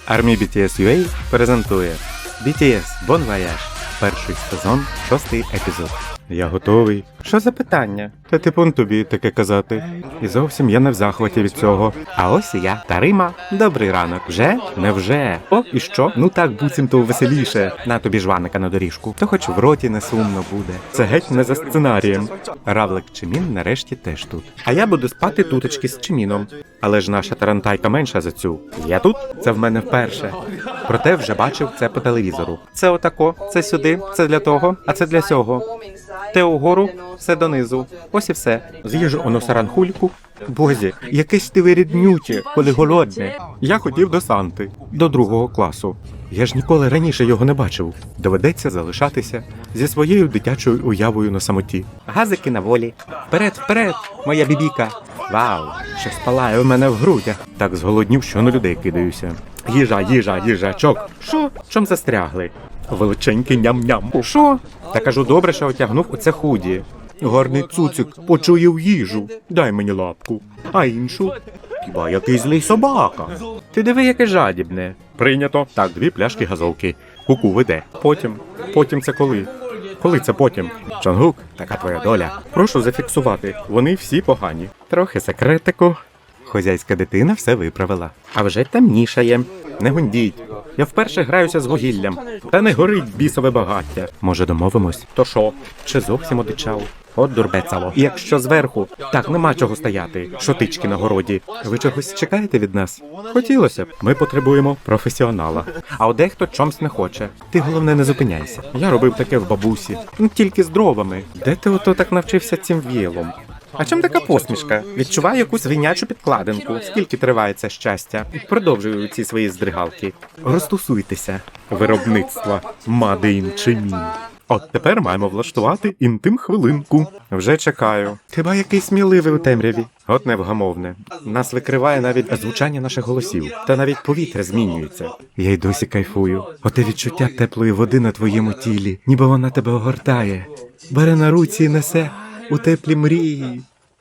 Army BTS UA презентує BTS Bon Voyage. Перший сезон, 6-й епізод. Я готовий. Що за питання? Та типун тобі таке казати. І зовсім я не в захваті від цього. А ось і я, Тарима. Добрий ранок. Вже? Невже? О, і що? Ну так, буцімто веселіше. На тобі жваника на доріжку. То хоч в роті не сумно буде. Це геть не за сценарієм. Равлик Чимін нарешті теж тут. А я буду спати туточки з Чиміном. Але ж наша тарантайка менша за цю. Я тут? Це в мене вперше. Проте вже бачив це по телевізору. Це отако, це сюди, це для того, а це для сього. Те угору, все донизу. Ось і все. З'їжу оно саранхульку. Бозі, якесь ти виріднюче, коли голодне. Я хотів до Санти, до 2 класу. Я ж ніколи раніше його не бачив. Доведеться залишатися зі своєю дитячою уявою на самоті. Газики на волі. Вперед, вперед, моя бібіка. Вау, щось палає у мене в грудях. Так зголоднів, що на людей кидаюся. Їжачок. Що? Чом застрягли? Величенький ням-ням. Що? Та кажу, добре, що отягнув у це худі. Гарний цуцик почує їжу. Дай мені лапку. А іншу? Хіба який злий собака? Ти диви, яке жадібне. Прийнято. Так, 2 пляшки газовки. Куку веде. Потім це коли? Коли це потім? Чонгук, така твоя доля. Прошу зафіксувати. Вони всі погані. Трохи секретику. Хозяйська дитина все виправила. А вже темнішає. Не гундіть. Я вперше граюся з вугіллям. Та не горить бісове багаття. Може, домовимось? То що? Чи зовсім одичав? От дурбецало. І якщо зверху, так нема чого стояти. Шотички на городі. Ви чогось чекаєте від нас? Хотілося б. Ми потребуємо професіонала. А от дехто чомусь не хоче. Ти головне не зупиняйся. Я робив таке в бабусі. Тільки з дровами. Де ти ото так навчився цим віялом? А чим така посмішка? Відчуваю якусь свинячу підкладинку. Скільки триває це щастя? Продовжую ці свої здригалки. Розтусуйтеся. Виробництва. Мадеїн Чимін. От тепер маємо влаштувати інтим-хвилинку. Вже чекаю. Хіба який сміливий у темряві? От невгамовне. Нас викриває навіть звучання наших голосів. Та навіть повітря змінюється. Я й досі кайфую. Оте відчуття теплої води на твоєму тілі. Ніби вона тебе огортає. Бере на руці і несе у теплі мрії.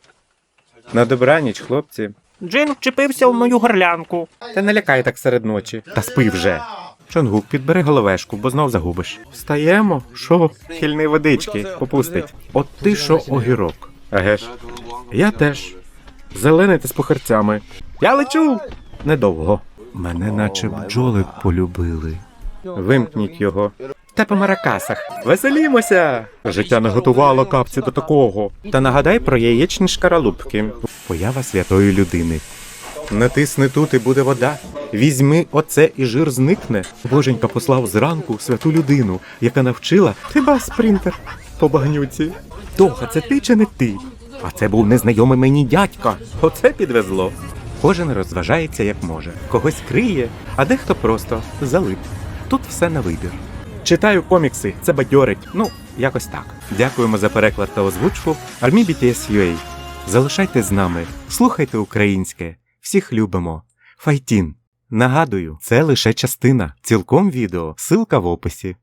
На добраніч, хлопці. Джин вчепився в мою горлянку. Та не лякай так серед ночі. Та спи вже. Чонгук, підбери головешку, бо знов загубиш. Встаємо? Шо? Хильний водички, попустить. От ти що огірок. Еге ж. Я теж. Зелений та з похерцями. Я лечу! Недовго. Мене наче бджоли полюбили. Вимкніть його. Та по маракасах. Веселімося! Життя не готувало капці до такого. Та нагадай про яєчні шкаралупки. Поява святої людини. Натисни тут і буде вода. Візьми оце і жир зникне. Боженька послав зранку святу людину, яка навчила тебе спринтер по багнюці. Тоха, це ти чи не ти? А це був незнайомий мені дядька. Оце підвезло. Кожен розважається як може. Когось криє, а дехто просто залип. Тут все на вибір. Читаю комікси, це бадьорить. Ну, якось так. Дякуємо за переклад та озвучку. Army BTS UA. Залишайтесь з нами, слухайте українське. Всіх любимо. Файтін. Нагадую, це лише частина. Цілком відео. Ссылка в описі.